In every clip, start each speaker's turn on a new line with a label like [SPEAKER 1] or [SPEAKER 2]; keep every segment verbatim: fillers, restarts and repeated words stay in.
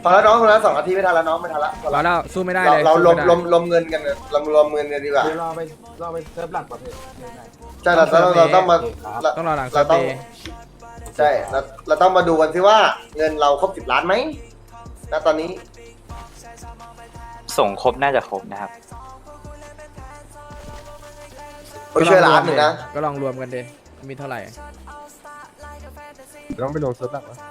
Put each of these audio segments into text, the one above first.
[SPEAKER 1] พอแล้วน้องคนละสองนาทีไม่ทันแล้วน้องไม่ทันละ
[SPEAKER 2] เราแล้วสู้ไม่ได้
[SPEAKER 1] เรา
[SPEAKER 2] เลย
[SPEAKER 1] เรารวม
[SPEAKER 2] สู้
[SPEAKER 1] รว
[SPEAKER 2] ไได้
[SPEAKER 1] มรวมเงินกันเลยเรารวมเงินกันดีกว่า
[SPEAKER 3] เดี๋ยวเราไปเราไปเซิร์ฟหลักประเภท
[SPEAKER 1] ใช่เราเราเราต้องมา
[SPEAKER 2] ต้องรอหลังเซ
[SPEAKER 1] เรา
[SPEAKER 2] ต
[SPEAKER 1] ต้อง
[SPEAKER 2] เดย์
[SPEAKER 1] ใช่เราเราต้องมาดูกันสิว่าเงินเราครบสิบล้านไหมณตอนนี้
[SPEAKER 4] ส่งครบน่าจะครบนะครับ
[SPEAKER 1] ไปช่วยล้านหนึ่งนะ
[SPEAKER 2] ก็ลองรวมกันดิมีเท่าไหร่
[SPEAKER 3] ต้องไปลงเซิร์ฟหลักวะ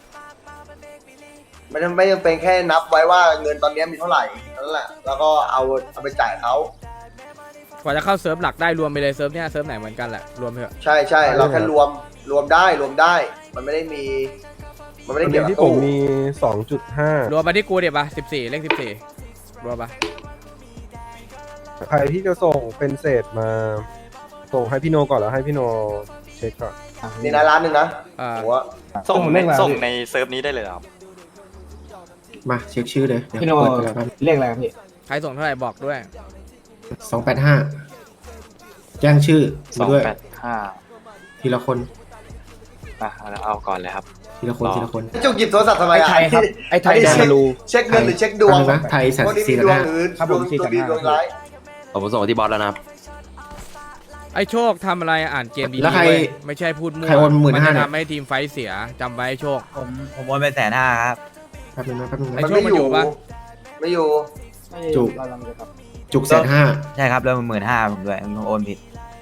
[SPEAKER 1] ไม่จำไม่จำเป็นแค่นับไว้ว่าเงินตอนนี้มีเท่าไหร่นั่นแหละแล้วก็เอาเอาไปจ่ายเขา
[SPEAKER 2] กว่าจะเข้าเซิร์ฟหลักได้รวมไปเลยเซิร์ฟเนี้ยเซิร์ฟไหนเหมือนกันแหละรวมเถอะ
[SPEAKER 1] ใช่ใช่เราแค่รวมรวมได้รวมได้ มันไม่ได้มี มันไม่ได้
[SPEAKER 3] วัน
[SPEAKER 1] เกี่ย
[SPEAKER 3] นี้
[SPEAKER 1] วกับ
[SPEAKER 3] ที่ผม
[SPEAKER 1] ตู้
[SPEAKER 3] มี สองจุดห้า
[SPEAKER 2] รวมมาที่กูเดี๋ยวปะสิบสี่เลขสิบสี่รวมปะ
[SPEAKER 3] ใครที่จะส่งเป็นเศษมา ส่งให้พี่โนก่อนแล้วให้พี่โนเช็คก่อน
[SPEAKER 1] นี่นะล้านหนึ่งนะ
[SPEAKER 2] อ่า
[SPEAKER 1] หัว
[SPEAKER 4] ส่ง
[SPEAKER 3] ส่ง
[SPEAKER 4] ใน
[SPEAKER 3] เลขอะไร
[SPEAKER 4] ส่งในเซิร์ฟนี้ได้เลยเหรอครับ
[SPEAKER 5] มาเช็คชื่อเลยเดี๋ยว
[SPEAKER 3] พี่โน
[SPEAKER 5] เปิดกันแล้วกัน
[SPEAKER 3] เลขอะไรครับพี่
[SPEAKER 2] ใครส่งเท่าไหร่บอกด้วย
[SPEAKER 5] สองแปดห้าแจ้งชื่อ
[SPEAKER 4] ส
[SPEAKER 5] มา
[SPEAKER 4] อง
[SPEAKER 5] ด้วย
[SPEAKER 4] แปดห้า
[SPEAKER 5] ทีละคน
[SPEAKER 4] อ่ะเอาเอาก่อนเลยครับ
[SPEAKER 5] ทีละคน
[SPEAKER 4] ต่อ
[SPEAKER 5] ทีละคน
[SPEAKER 1] จุกหยิบโทรศัพท์ทำไม
[SPEAKER 3] ไอ้
[SPEAKER 1] อ่ะ
[SPEAKER 3] ไทยครับไอ้ไทย
[SPEAKER 1] นนี้
[SPEAKER 3] แดน
[SPEAKER 1] เช็ค
[SPEAKER 3] มารู
[SPEAKER 1] เช็คเงินหรือเช็คดวง
[SPEAKER 5] อันนึงนะไทยสัต
[SPEAKER 1] พวก
[SPEAKER 5] ว์
[SPEAKER 1] นี้
[SPEAKER 5] สี่
[SPEAKER 1] มี
[SPEAKER 5] แส
[SPEAKER 1] ด
[SPEAKER 5] น
[SPEAKER 1] วง
[SPEAKER 5] ห้า
[SPEAKER 1] หรือ
[SPEAKER 3] ครับ
[SPEAKER 1] ด
[SPEAKER 3] ผ
[SPEAKER 1] ว
[SPEAKER 3] ม
[SPEAKER 1] ง
[SPEAKER 3] สี่
[SPEAKER 1] ตัว
[SPEAKER 3] แสน
[SPEAKER 1] ดี
[SPEAKER 3] ห้า
[SPEAKER 1] ดวงร้าย
[SPEAKER 6] ผมส่งที่บอสแล้วนะครับ
[SPEAKER 2] ไอ้โชคทำอะไรอ่านเกมดี
[SPEAKER 5] แล้ว
[SPEAKER 2] ๆ
[SPEAKER 5] ใคร
[SPEAKER 2] เว้ยไม่ใช่พูดมั่ว
[SPEAKER 5] ใครโอนหมื่นห้า
[SPEAKER 2] จะ
[SPEAKER 5] เนี่ย
[SPEAKER 2] ทำให้ทีมไฟท์เสียจำไว้โชค
[SPEAKER 7] ผมผมโอนไปแสนห้าครับ
[SPEAKER 5] แป๊บนึงนะแป๊บนึง
[SPEAKER 2] ไอ้
[SPEAKER 5] นะ
[SPEAKER 2] โชคมันอยู่ปะ
[SPEAKER 1] ไม่อยู่
[SPEAKER 5] จุกจุกแสนห้า
[SPEAKER 7] ใช่ครับแล้วมันหมื่นห้าผมด้วยผมโอนผิด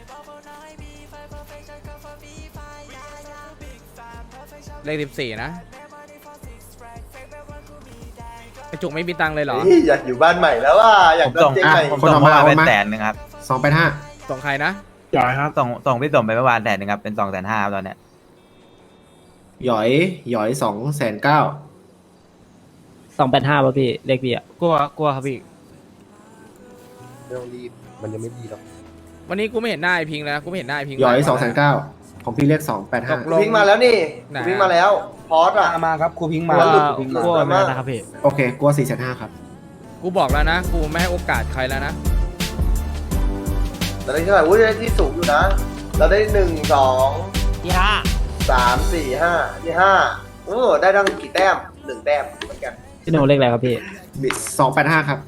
[SPEAKER 2] เลขสิบสี่นะไอ้จุกไม่มีตังค์เลยเหรอ
[SPEAKER 1] เฮ้ยอยากอยู่บ้านใหม่แล้วว่าอยาก
[SPEAKER 7] ผม
[SPEAKER 1] โด
[SPEAKER 7] ส่
[SPEAKER 1] น
[SPEAKER 7] ง
[SPEAKER 1] เจ๊ง
[SPEAKER 7] อ่ะ
[SPEAKER 1] ใหม่
[SPEAKER 7] ผมส่งเมื่อวานเป็นแสนหนึ่งครับ
[SPEAKER 5] สองแปดห้า
[SPEAKER 2] ส่งใครนะ
[SPEAKER 3] จ่ายครับ
[SPEAKER 7] ส่งส่งพี่สมไปเมื่อวานแสนหนึ่งครับเป็นสองแสนห้าตอนเนี้ย
[SPEAKER 5] หยอยหยอยสองแสนเก้า
[SPEAKER 8] สองแปดห้าป่ะพี่เลขพี่อ่ะ
[SPEAKER 6] กลัวกลัวครับพี่
[SPEAKER 3] ไม่ต้องรีบมันยังไม่ดีหรอก
[SPEAKER 2] วันนี้กูไม่เห็นหน้าไอ้พิงค์แล้วนะกูไม่เห็นหน้าไอ้พิงค์
[SPEAKER 5] หยอย
[SPEAKER 2] เลย
[SPEAKER 5] สองแสนเก้าของพี่เลขสองแปด
[SPEAKER 2] ต
[SPEAKER 5] ห้าก
[SPEAKER 2] ลง
[SPEAKER 1] พิงมาแล้วนี่
[SPEAKER 2] ไหน
[SPEAKER 1] พิงมาแล้วพอสอ่ะ
[SPEAKER 3] มาครับครูพิงค์มา
[SPEAKER 1] กลัวหลุด
[SPEAKER 3] ครูพิงค์
[SPEAKER 1] ก
[SPEAKER 3] มา
[SPEAKER 1] ลัว
[SPEAKER 6] ไม่ได้นะครับพี่
[SPEAKER 5] โอเคกลัวสี่แสนห้าครับ
[SPEAKER 2] กูบอกแล้วนะกูไม่ให้โอกาสใครแล้วนะ
[SPEAKER 1] เราได้เท่าไหร่อุ้ยได้ที่สูงอยู่นะ เราได้หนึ่งสอง
[SPEAKER 6] ที่ห้า
[SPEAKER 1] สามสี่ห้าที่ห้าโอ้ได้ทั้งกี่แต้มหนึ่งแต้มเหมือนกัน
[SPEAKER 8] พี่โนเลขอะไรครับพี่
[SPEAKER 5] บิสองแปดห้าครับ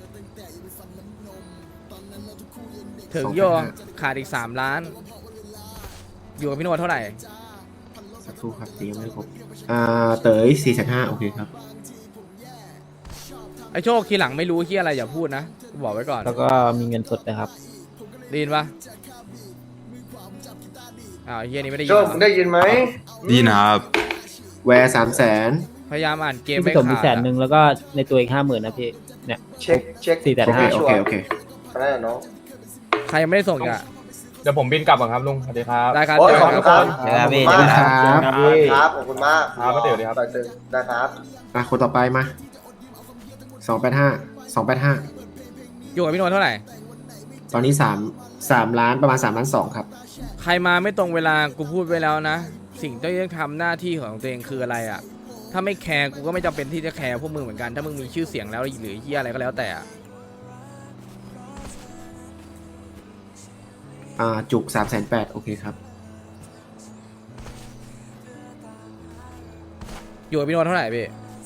[SPEAKER 2] ถึงโยขาดอีกสามล้าน อยู่กับพี่โนวดเท่าไหร่
[SPEAKER 5] สักครู่ครับตียังไม่ครบอ่าเต๋ยสี่แสนห้าโอเคครับ
[SPEAKER 2] ไอ้โชคทีหลังไม่รู้ที่อะไรอย่าพูดนะกูบอกไว้ก่อน
[SPEAKER 8] แล้วก็มีเงินสดนะครับ
[SPEAKER 2] ได้ยินปะอ้าวไอ้เฮียนี่ไม่ได้ยิ
[SPEAKER 1] โช
[SPEAKER 2] น
[SPEAKER 1] ค
[SPEAKER 2] เหรอ
[SPEAKER 1] ได้ยินไหม
[SPEAKER 6] ดีนะครับ
[SPEAKER 5] แวร์สามแสน
[SPEAKER 2] พยายามอ่านเกม
[SPEAKER 8] พี่
[SPEAKER 2] ไม่
[SPEAKER 8] สมมี
[SPEAKER 2] ขาด
[SPEAKER 8] แสนห
[SPEAKER 2] อะ
[SPEAKER 8] นึ่งแล้วก็ในตัวอีกห้าหมื่นนะพี่เนี่ย
[SPEAKER 1] เช็คเช็ค
[SPEAKER 8] สี่แสน
[SPEAKER 5] โอเค
[SPEAKER 8] ห้า
[SPEAKER 5] โอเคโอเค
[SPEAKER 1] ได้น้อง
[SPEAKER 2] ใครยังไม่ได้ส่งอีกอ่ะ
[SPEAKER 3] เดี๋ยวผมบินกลับก่อนครับลุงสวัสดีครับ
[SPEAKER 2] ได้ครับ
[SPEAKER 1] โอ้ย
[SPEAKER 2] เจอ
[SPEAKER 1] ขอบ
[SPEAKER 2] กัน
[SPEAKER 1] คุณ
[SPEAKER 2] ครับ
[SPEAKER 1] ครับ
[SPEAKER 7] เดี๋ยว
[SPEAKER 1] ขอบ
[SPEAKER 7] นะ
[SPEAKER 1] คุณ
[SPEAKER 7] พี่
[SPEAKER 1] มาก
[SPEAKER 5] ครับ
[SPEAKER 1] ครับขอบคุณมาก
[SPEAKER 3] ครับป้าเต๋อดีครับ
[SPEAKER 1] ป้าเต๋อได้ครับ
[SPEAKER 5] อ่ะคนต่อไปมาสองแปดห้าสองแปดห้า
[SPEAKER 2] อยู่กับพี่โนวดเท่าไหร่
[SPEAKER 5] ตอนนี้สามสามล้านประมาณสามล้านสองครับ
[SPEAKER 2] ใครมาไม่ตรงเวลากูพูดไว้แล้วนะ สิ่งที่ต้องทำหน้าที่ของตัวเองคืออะไรอ่ะ ถ้าไม่แคร์กูก็ไม่จำเป็นที่จะแคร์พวกมึงเหมือนกันถ้ามึงมีชื่อเสียงแล้วหรือเฮียอะไรก็แล้วแต่อะ
[SPEAKER 5] อ่าจุกสามแสนแปดโอเคครับ
[SPEAKER 2] อยู่กับพี่โนวดเท่าไหร่พี่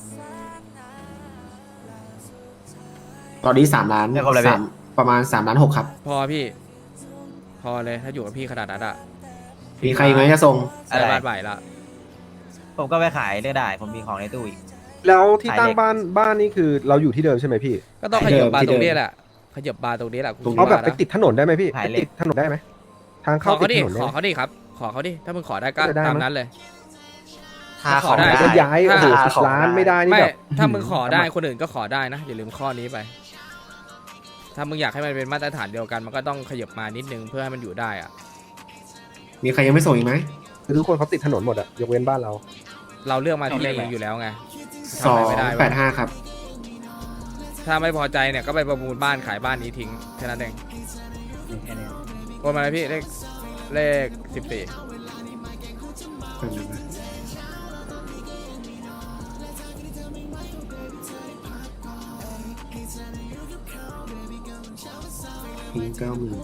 [SPEAKER 5] ตอนนี้สามล้าน
[SPEAKER 7] ไม่ครบเลยพี่
[SPEAKER 5] สามประมาณสามล้านหกครับ
[SPEAKER 2] พอพี่ พอเลยถ้าอยู่กับพี่ขนาดนั้นอ่ะ
[SPEAKER 5] มีใครอีกไหมจะส่ง
[SPEAKER 2] ใส่บาทใหม่ละ
[SPEAKER 7] ผมก็ไปขายได้ได้ ผมมีของในตู้อีก
[SPEAKER 3] แล้วที่
[SPEAKER 7] ขาย
[SPEAKER 3] ตั้ง
[SPEAKER 7] เลข
[SPEAKER 3] บ้านบ้านนี่คือเราอยู่ที่เดิมใช่ไหมพี่
[SPEAKER 2] ก็ต้องขยับบาร์ตรงนี้แหละขยับบาร์ตรงนี้แหละกูคิด
[SPEAKER 3] เอาแบบ
[SPEAKER 2] ว่า
[SPEAKER 3] ไป
[SPEAKER 2] นะ
[SPEAKER 3] ติดถนนได้ไหมพี่
[SPEAKER 7] ขาย
[SPEAKER 3] ไป
[SPEAKER 7] เลข
[SPEAKER 3] ติดถนนได้ไหมทาง
[SPEAKER 2] ข
[SPEAKER 3] เข้า
[SPEAKER 2] อ
[SPEAKER 3] ติ
[SPEAKER 2] เขา
[SPEAKER 3] ด
[SPEAKER 2] ดิ
[SPEAKER 3] ถนน
[SPEAKER 2] ข
[SPEAKER 3] ได้
[SPEAKER 2] อ
[SPEAKER 3] ไหม
[SPEAKER 2] เขาดิครับ ขอเขาดิถ้ามึงขอได้ก็
[SPEAKER 3] จะได้
[SPEAKER 2] ตาม
[SPEAKER 3] มั้ย
[SPEAKER 2] นั้นเลย
[SPEAKER 7] ถ้า
[SPEAKER 2] ขอได้
[SPEAKER 7] ข
[SPEAKER 3] ก็
[SPEAKER 7] อง
[SPEAKER 3] ย้ายโอ้โห
[SPEAKER 7] ถ้
[SPEAKER 3] สิบล้านไม่ได้นี่
[SPEAKER 2] ไม่
[SPEAKER 3] แบบ
[SPEAKER 2] ถ้ามึงขอได้คนอื่นก็ขอได้นะอย่าลืมข้อนี้ไป ถ้ามึงอยากให้มันเป็นมาตรฐานเดียวกันมันก็ต้องขยับมานิดนึงเพื่อให้มันอยู่ได้อะ
[SPEAKER 5] มีใครยังไม่ส่งอีกไหม
[SPEAKER 3] คือทุกคนเขาติดถนนหมดอะยกเว้นบ้านเรา
[SPEAKER 2] เราเลือกมาที่เลขนี้อยู่แล้วไง
[SPEAKER 5] สอง
[SPEAKER 2] ทำอะไรไม่ได้
[SPEAKER 5] แป
[SPEAKER 2] วะ
[SPEAKER 5] ดห้าครับ
[SPEAKER 2] ถ้าไม่พอใจเนี่ยก็ไปประมูลบ้านขายบ้านนี้ทิ้งแค่นั้นเองโอนมาเลยพี่เลขเลขสิบสี่
[SPEAKER 5] พิงเก้าหมื่น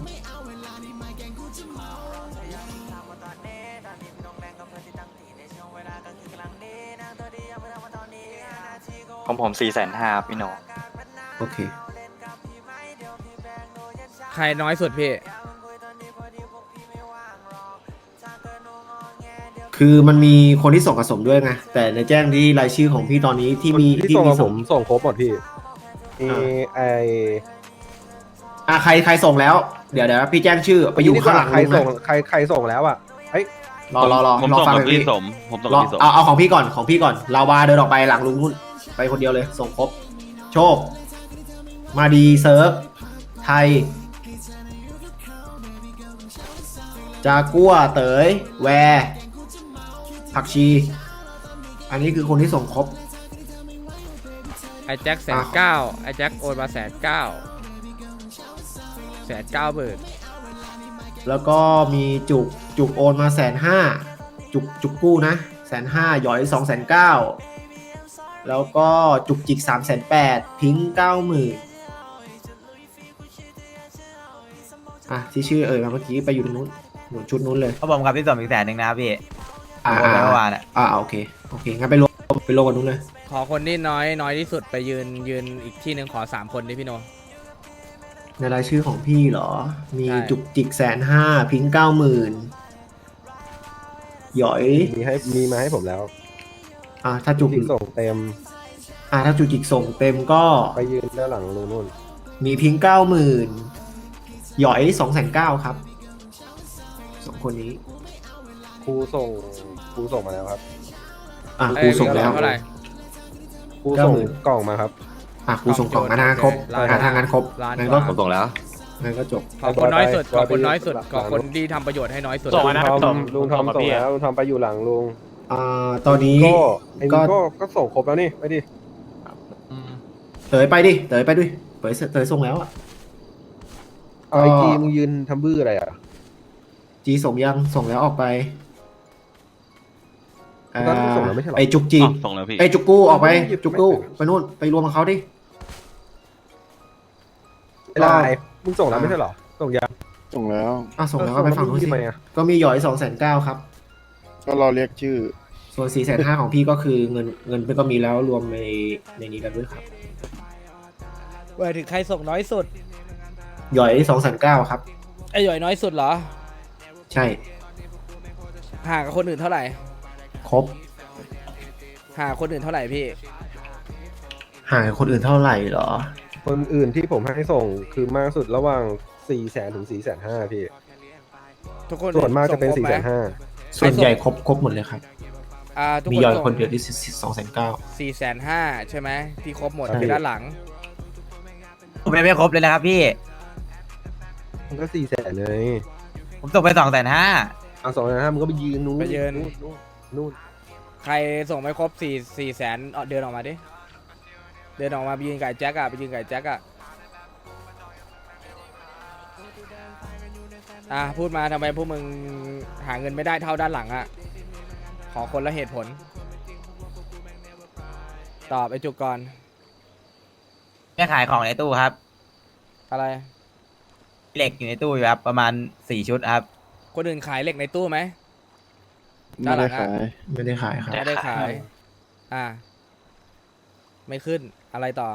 [SPEAKER 9] เ
[SPEAKER 4] ของผมสี่แสนห้าพี่โน
[SPEAKER 5] โอเค
[SPEAKER 2] ใครน้อยสุดพี่
[SPEAKER 5] คือมันมีคนที่ส่งกระสมด้วยไงแต่ในแจ้งที่รายชื่อของพี่ตอนนี้ที่มี
[SPEAKER 3] ที่
[SPEAKER 5] ที่
[SPEAKER 3] ส่ง
[SPEAKER 5] มี
[SPEAKER 3] มาผ
[SPEAKER 5] ส่ง
[SPEAKER 3] มส่งครบหมดพี่มีไอ
[SPEAKER 5] อ่ะใครใครส่งแล้วเดี๋ยวเดี๋ยวพี่แจ้งชื่อไปอยู่ข้างหลัง
[SPEAKER 3] ใคร
[SPEAKER 5] ลุง
[SPEAKER 3] ส่ง
[SPEAKER 5] นะ
[SPEAKER 3] ใครใครส่งแล้วอ่ะเฮ้ย
[SPEAKER 5] รอรอรอ
[SPEAKER 6] ผม
[SPEAKER 5] รอ
[SPEAKER 6] ส่ง
[SPEAKER 5] ฟัง
[SPEAKER 6] กับ
[SPEAKER 5] พี่
[SPEAKER 6] พี่สม ผมส่ง
[SPEAKER 5] ร
[SPEAKER 6] กั
[SPEAKER 5] อบ
[SPEAKER 6] พี่สม
[SPEAKER 5] เอาเอาของพี่ก่อนของพี่ก่อนลาวาเดินออกไปหลังลุงนุ่นไปคนเดียวเลย ส่งครบ โชค มาดีเซิร์ฟไทย จากัวเต๋ยแวร์ผักชี อันนี้คือคนที่ส่งครบ
[SPEAKER 2] ไอ้แจ็คแสนเก้าไอ้แจ็คโอนมาแสนเก้าแสนเก้าเบิร์ด
[SPEAKER 5] แล้วก็มีจุกจุกโอนมาแสนห้าจุกจุกกู้นะแสนห้าหยอยสองแสนเก้าแล้วก็จุกจิกสามแสนแปดพิงเก้าหมื่นอ่ะที่ชื่อเอ่ยมาเมื่อกี้ไปอยู่ตรงนู้นหนุนชุดนู้นเลย
[SPEAKER 7] เขาบอกครับที่ส่งอีกแสนหนึ่งนะครับพี่
[SPEAKER 5] อ่า
[SPEAKER 7] โอนไปเมื่อวานอะ
[SPEAKER 5] อ่าโอเคโอเคงั้นไปรวมไปรวมกันนู้นเลย
[SPEAKER 2] ขอคนที่น้อยน้อยที่สุดไปยืนยืนอีกที่หนึ่งขอสามคนดิพี่โน
[SPEAKER 5] ในรายชื่อของพี่เหรอ มี
[SPEAKER 2] ใช่
[SPEAKER 5] จุกจิกแสนห้าพิงเก้าหมื่นหยอย
[SPEAKER 3] มีให้มีมาให้ผมแล้ว
[SPEAKER 5] อ่าถ้าจุก
[SPEAKER 3] ที่ส่งเต็ม
[SPEAKER 5] อ่าถ้าจุกจิกส่งเต็มก็
[SPEAKER 3] ไปยืนด้านหลังลุงนุ่น
[SPEAKER 5] มีพิงเก้าหมื่นหยอยสองแสนเก้าครับสองคนนี้
[SPEAKER 3] ครูส่งครูส่งมาแล้วครับ
[SPEAKER 5] อ่ะ
[SPEAKER 2] เอ้
[SPEAKER 5] ครู
[SPEAKER 2] ย
[SPEAKER 5] ส่งแล้ว
[SPEAKER 2] เท่าไหร่
[SPEAKER 3] ครูส่ง
[SPEAKER 5] เก้าหมื่น
[SPEAKER 3] กล่องมาครับ
[SPEAKER 5] อ่ะครูส่งกล่องอันนั้นครบ
[SPEAKER 2] ล้าน
[SPEAKER 5] อ่ะทางนั้นครบ
[SPEAKER 2] ล้าน
[SPEAKER 5] งั้น
[SPEAKER 2] ก
[SPEAKER 5] ก็
[SPEAKER 2] ว่า
[SPEAKER 6] ผมส่งแล้ว
[SPEAKER 5] งั้นก็จบ
[SPEAKER 2] ขอคนน้อยสุด
[SPEAKER 3] ไป
[SPEAKER 2] ขอคนน้อยสุด
[SPEAKER 3] ไป
[SPEAKER 2] ขอคนที่ทำประโยชน์ให้น้อยสุด
[SPEAKER 3] ลุงทอมลุงทอมส่งแล้วลุงทอมไปอยู่หลังลุง
[SPEAKER 5] อ่าตอนนี้
[SPEAKER 3] ก็ไอ้
[SPEAKER 5] ก็
[SPEAKER 3] นี่ก็ก็ส่งครบแล้วนี่ไปดิ
[SPEAKER 5] เต๋ยไปดิเต๋ยไปด้วยเต๋ยเต๋ยส่งแล้วอ่ะ
[SPEAKER 3] เอาไอจีมึงยืนทำบื้ออะไรอ่ะ
[SPEAKER 5] จีส่งยังส่งแล้วออกไปอ่า
[SPEAKER 3] ตอนนั้นส่งแล้วไม่ใช่เหรอ
[SPEAKER 5] ไอจุกจี
[SPEAKER 6] อ๋อส่งแล้วพี่
[SPEAKER 5] ไอจุกกู้ออกไป
[SPEAKER 3] หยิบ
[SPEAKER 5] จุกกู้
[SPEAKER 3] ไม่
[SPEAKER 5] ไปนู่นไปรวมกับเขาดิ
[SPEAKER 3] เวลาไอ้มึงส่งแล้วไม่ใช่เหรอส่งยัง
[SPEAKER 9] ส่งแล้ว
[SPEAKER 5] อ่ะส่งแล้วก็ไปฝั่งนู้นสิ
[SPEAKER 3] ทำไมอ่ะ
[SPEAKER 5] ก็มีหยอยสองแสนเก้าครับ
[SPEAKER 9] ก็รอเรียกชื่อ
[SPEAKER 5] ส่วนสี่แสนห้าของพี่ก็คือเงินเงินเป็นก็มีแล้วรวมในในนี้กันด้วยครับ
[SPEAKER 2] หมายถึงใครส่งน้อยสุด
[SPEAKER 5] หยอยสองแสนเก้าครับ
[SPEAKER 2] ไอ้หย่อยน้อยสุดเหรอ
[SPEAKER 5] ใช่
[SPEAKER 2] ห่างกับคนอื่นเท่าไหร่
[SPEAKER 5] ครบ
[SPEAKER 2] ห่างกับคนอื่นเท่าไหร่พี่
[SPEAKER 5] ห่างกับคนอื่นเท่าไหร่เหรอ
[SPEAKER 3] คนอื่นที่ผมให้ส่งคือมากสุดระหว่างสี่แสนถึงสี่แสนห้าพี่
[SPEAKER 2] ทุกคน
[SPEAKER 3] ส่วนมากจะเป็น
[SPEAKER 2] ส่
[SPEAKER 3] สี่
[SPEAKER 2] งค
[SPEAKER 3] แส
[SPEAKER 2] รบ
[SPEAKER 3] น
[SPEAKER 2] ไหม
[SPEAKER 3] ห้า
[SPEAKER 5] ส่วนใหญ่ครบครบหมดเลยครับ
[SPEAKER 2] อ่าทุก
[SPEAKER 5] มี
[SPEAKER 2] คน
[SPEAKER 5] หยอย
[SPEAKER 2] ส่ง
[SPEAKER 5] คนเดียวที่สองแสนเก้า
[SPEAKER 2] สี่แสนห้าใช่ไหมที่ครบหมด
[SPEAKER 5] ใช่
[SPEAKER 2] คือด้านหลัง
[SPEAKER 7] ผมยังไม่ครบเลยนะครับพี่
[SPEAKER 3] มันก็สี่แสนเลย
[SPEAKER 7] ผมส่งไปสองแสนห้า
[SPEAKER 3] เอาสองแสนห้ามึงก็ไปยืนนู้น
[SPEAKER 2] ไปยืน
[SPEAKER 3] นู่นนู่นนู่น
[SPEAKER 2] ใครส่งไม่ครบสี่สี่แสนเดินออกมาดิ เดินออกมาไปยืนกับไอ้แจ็คอะไปยืนกับไอ้แจ็คอะอ่ะพูดมาทำไมพวกมึงหาเงินไม่ได้เท่าด้านหลังอะขอคนละเหตุผล ตอบไอ้จุกก่อน
[SPEAKER 7] แม่ขายของในตู้ครับ
[SPEAKER 2] อะไร
[SPEAKER 7] เหล็กอยู่ในตู้อยู่ครับ ประมาณสี่ชุดครับ
[SPEAKER 2] คนอื่นขายเหล็กในตู้ไหม
[SPEAKER 9] ไม่ได้ขาย
[SPEAKER 5] ไม่ได้ขายครับ
[SPEAKER 2] ไม่ได้ขาย อ่า ไม่ขึ้นอะไรต่อ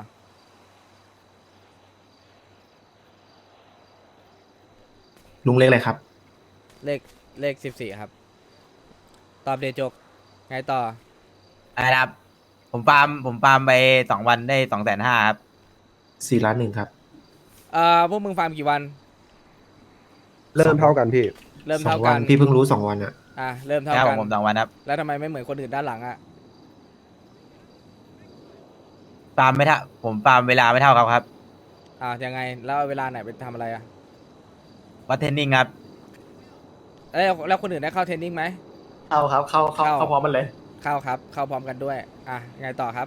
[SPEAKER 5] ลุงเล็กอะไรครับ
[SPEAKER 2] เลขเลขสิบสี่ครับ ตอบเดจก ไงต่อ
[SPEAKER 7] อะไรนะครับ ผมฟาร์มผมฟาร์มไปสองวันได้สองแสนห้าครับ
[SPEAKER 5] สี่ล้านหนึ่งครับ
[SPEAKER 2] เอ่อ พวกมึงฟาร์มกี่วัน
[SPEAKER 3] เริ่มเท่ากันพี่
[SPEAKER 2] เริ่ม
[SPEAKER 5] สอ
[SPEAKER 2] เท่าง
[SPEAKER 5] วั
[SPEAKER 2] กัน น
[SPEAKER 5] พี่เพิ่งรู้สองวันอะ
[SPEAKER 2] อ่ะ เริ่มเท่า
[SPEAKER 7] แล้ว
[SPEAKER 2] กั
[SPEAKER 7] ผม
[SPEAKER 2] น
[SPEAKER 7] ผมสองวันครับ
[SPEAKER 2] แล้วทำไมไม่เหมือนคนอื่นด้านหลังอ่ะ
[SPEAKER 7] ฟาร์มไม่เท่าผมฟาร์มเวลาไม่เท่าเขาครับ
[SPEAKER 2] อ่ายังไง แล้วเอาเวลาไหนไปทำอะไรอ่ะ
[SPEAKER 7] วัดเทรนนิ่งครับ
[SPEAKER 2] เอ้ยแล้วคนอื่นได้เข้าเทรนนิ่งไหม
[SPEAKER 5] เข้าครับเข้าเข้า
[SPEAKER 2] เข้า
[SPEAKER 5] เข้าพร้อมมันเลย
[SPEAKER 2] เข้าครับ เข้าพร้อมกันด้วย อ่ะ ไงต่อครับ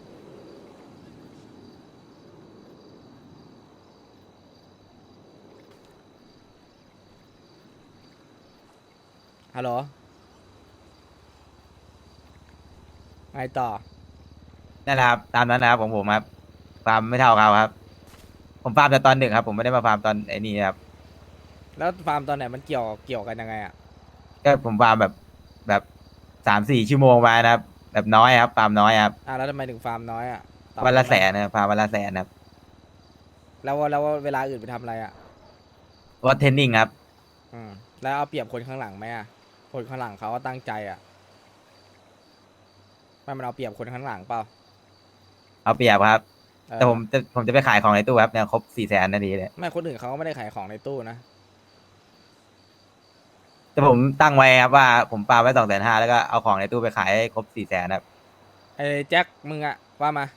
[SPEAKER 2] ฮัลโหล ไงต่อ
[SPEAKER 7] นั่นแหละครับ ตามนั้นนะครับของผมครับ ฟาร์มไม่เท่าเขาครับ ผมฟาร์มแต่ตอนดึกครับ ผมไม่ได้มาฟาร์มตอนไอ้นี่ครับ
[SPEAKER 2] แล้วฟาร์มตอนไหนมันเกี่ยวเกี่ยวกันยังไงอ่ะ
[SPEAKER 7] ก็ผมฟาร์มแบบแบบสามสี่ชั่วโมงมานะครับ แบบน้อยครับ ฟาร์มน้อยครับ
[SPEAKER 2] อ่ะแล้วทำไมถึงฟาร์มน้อยอ่ะตอบ
[SPEAKER 7] วันละ
[SPEAKER 2] ได้ไหม
[SPEAKER 7] แสนนะครับฟาร์มวันละแสนครับ
[SPEAKER 2] แล้วแล้วเวลาอื่นไปทำอะไรอ่ะ
[SPEAKER 7] ว่าเทรนนิ่งครับ
[SPEAKER 2] อืมแล้วเอาเปรียบคนข้างหลังไหมอ่ะคนข้างหลังเขาก็ตั้งใจอ่ะไม่มันเอาเปรียบคนข้างหลังเปล่า
[SPEAKER 7] เอาเปรียบครับ
[SPEAKER 2] เออ
[SPEAKER 7] แต่ผมจะผมจะไปขายของในตู้ครับเนี่ยครบสี่แสนนาทีเลย
[SPEAKER 2] ไม่คนอื่นเขาก็ไม่ได้ขายของในตู้นะ
[SPEAKER 7] แต่ผมตั้งไว้ครับว่าผมปาไว้สองแสนห้าแล้วก็เอาของในตู้ไปขายให้ครบสี่แสนครับ
[SPEAKER 2] ไอ้แจ็คมึงอ่ะว่ามา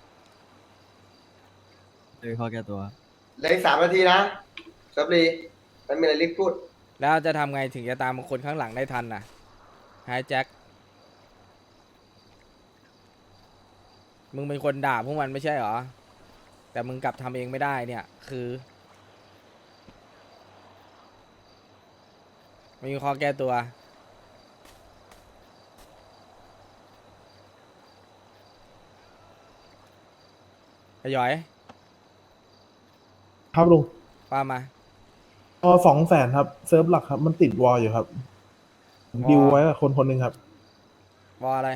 [SPEAKER 6] เลยข้อแก้ตัว
[SPEAKER 1] เหลืออีกสามนาทีนะเซิร์ฟรีมันมีอะไรรีบพูด
[SPEAKER 2] แล้วจะทำไงถึงจะตามคนข้างหลังได้ทันน่ะไอ้แจ็คมึงเป็นคนด่าพวกมันไม่ใช่เหรอแต่มึงกลับทำเองไม่ได้เนี่ย คือไม่มีข้อแก้ตัวไอ้หยอย
[SPEAKER 10] ครับลุง
[SPEAKER 2] ว่ามา
[SPEAKER 10] พอสองแสนครับเซิร์ฟหลักครับ มันติดวอลอยู่ครับผมดิวไว้กับคนคนหนึ่งครับ
[SPEAKER 2] วออะไร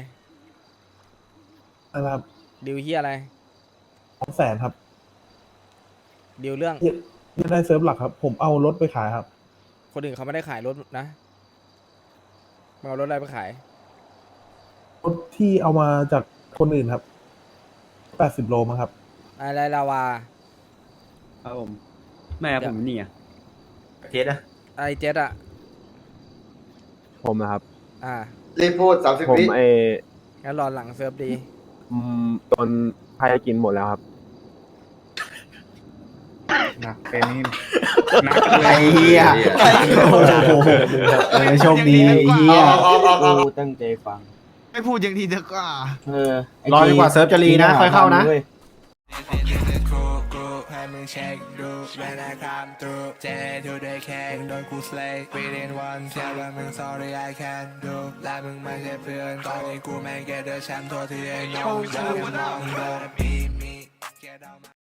[SPEAKER 10] นะครับ
[SPEAKER 2] ดิวเฮียอะไร
[SPEAKER 10] สองแสนครับ
[SPEAKER 2] ดิวเรื่อง
[SPEAKER 10] ไม่ได้เซิร์ฟหลักครับ ผมเอารถไปขายครับ
[SPEAKER 2] คนอื่นเขาไม่ได้ขายรถนะมึงเอารถอะไรไปขาย
[SPEAKER 10] รถที่เอามาจากคนอื่นครับแปดสิบโลมั้งครับ
[SPEAKER 2] อะไรลาวา
[SPEAKER 6] ครับผม แม่ผมนี่อ่ะ
[SPEAKER 5] เทสนะ
[SPEAKER 2] ไอเจ็ดอะ
[SPEAKER 3] ผมนะครับ
[SPEAKER 2] อ่า
[SPEAKER 1] รีบพูดสามสิบ
[SPEAKER 3] ผม
[SPEAKER 1] วิ
[SPEAKER 3] เอ
[SPEAKER 2] งั้นรอหลังเซิร์ฟดี
[SPEAKER 3] อืมโดนพายกินหมดแล้วครับ
[SPEAKER 9] หนักเป็นนี่
[SPEAKER 5] ไอ้เหี้ยโอ้โหเออโชคดีไอ้เหี้ย
[SPEAKER 1] ออกออกออกออกออก
[SPEAKER 6] ตั้งใจฟัง
[SPEAKER 7] ไม่พูดอย่างทีเถอะก็
[SPEAKER 6] เออ
[SPEAKER 5] รอดีกว่าเซิร์ฟจะรีนะ ค่อยเข้านะ
[SPEAKER 11] ให้มึงเช็คดูเวลาคำตรูเจทูได้แข่งโดนกู slay within one แค่ว่ามึง sorry I can't do และมึงไม่ใช่เพื่อนตอนนี้กูแม่ง get the champ ตัวที่ไอ้น้องเดินมองเดินมีมี